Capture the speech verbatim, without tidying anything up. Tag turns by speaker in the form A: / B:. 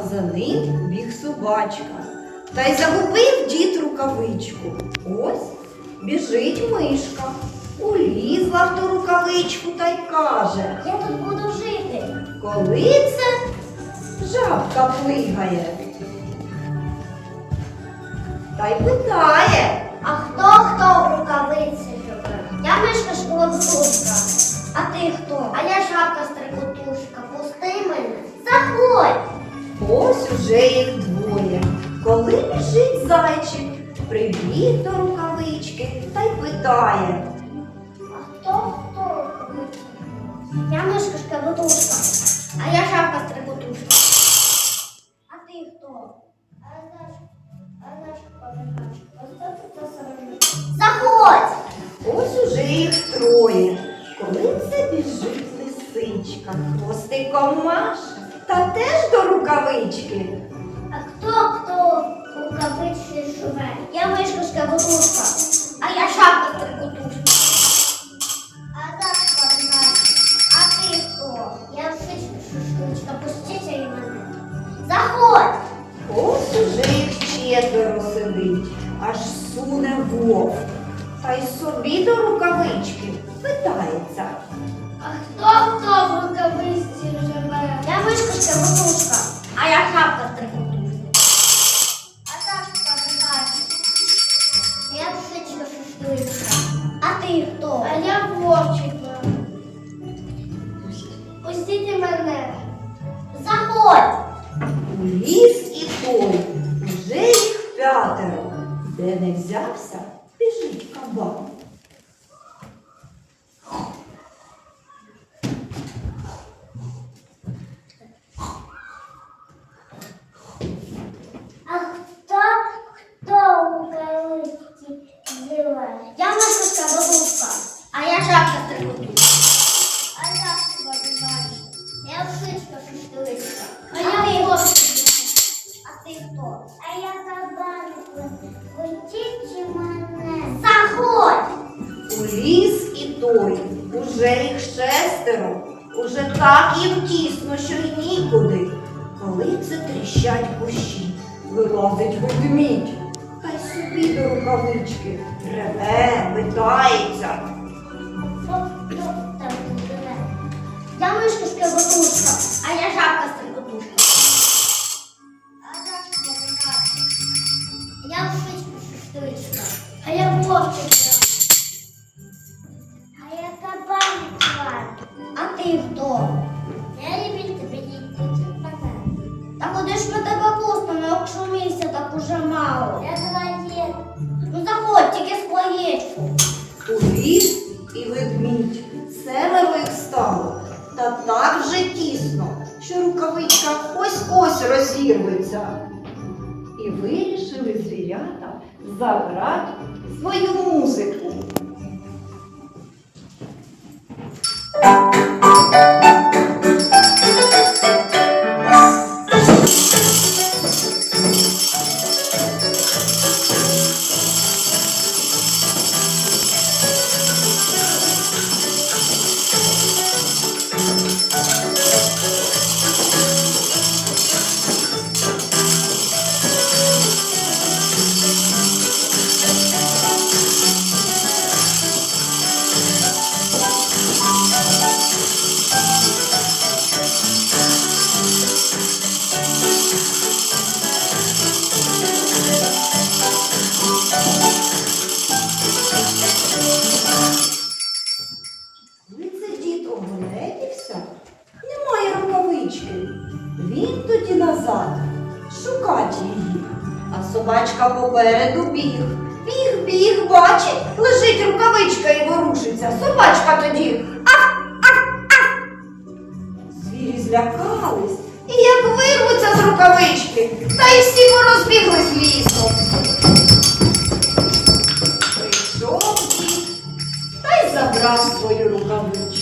A: за ним біг собачка. Та й загубив дід рукавичку. Ось біжить мишка. Улізла в ту рукавичку та й каже:
B: Я тут буду жити.
A: коли це жабка плигає? Та й питає:
B: А хто хто в рукавиці живе? Я мишка школотушка. А ти хто? А я жабка стрикотушка. Пусти мене. Заходь.
A: ось уже їх двоє. Коли біжить зайчик, прибіг до рукавички та й питає:
B: А хто хто в рукавиці? Я мишка школотушка. А я жабка стрикотушка. А ти хто? А я а я жабка. Заходь.
A: ось уже їх троє. Коли це біжить лисичка, хвостиком маше, та теж до рукавички.
B: А хто хто в рукавиці живе? Я мишка школотушка. А я жабка стрикотушка. А жабка знає. А ти хто? Я вшичка шушничка. Пустіть і мене. Заходь.
A: Ось уже їх четверо сидить, аж суне вовк. Та й собі до рукавички питається:
B: А хто хто в рукавиці живе? Я мишка школотушка. А я жабка стрикотушка. А жабка знає. Я вшичка шушничка. А ти хто? А я вовчика. Пустіть мене. Заходь.
A: у ліс і той, уже їх п'ятеро. Де не взявся, біжить кабан.
B: А хто хто у рукавиці живе? Я мишка школотушка. А я жабка стрикотушка. А я тебе знаю. Я вшичка шушничка. А я вовчик. А ти хто? А я кабан. Пустіть мене. Заходь.
A: У ліс і той, уже їх шестеро, уже так їм тісно, що й нікуди. Коли це тріщать кущі, вилазить ведмідь, та й собі до рукавички реве, питається:
B: Хто хто там живе? Я мишка школотушка. А я жабка стрикотушка. А жабка знає. Я вшичка шушничка. А я вовчик. А я кабан тварь. А ти хто? Я люблю тебе їсти. Та куди ж ми тебе пустимо, якщо місця так уже мало? Я твоє. Ну заходь, тільки з плаєчку.
A: у ліс і ведмідь. Семеро їх стало, та так вже тісно, що рукавичка ось-ось розірветься. І вирішили звірята заграти свою музику. Коли це дід огледівся, немає рукавички. Він тоді назад шукати її. А собачка попереду біг. Біг, біг, бачить, лежить рукавичка і ворушиться. Собачка тоді ах, ах, ах. Звірі злякались і як вирвуться з рукавички, та й всі порозбіглись лісом. Прийшов дід та й забрав свою рукавичку.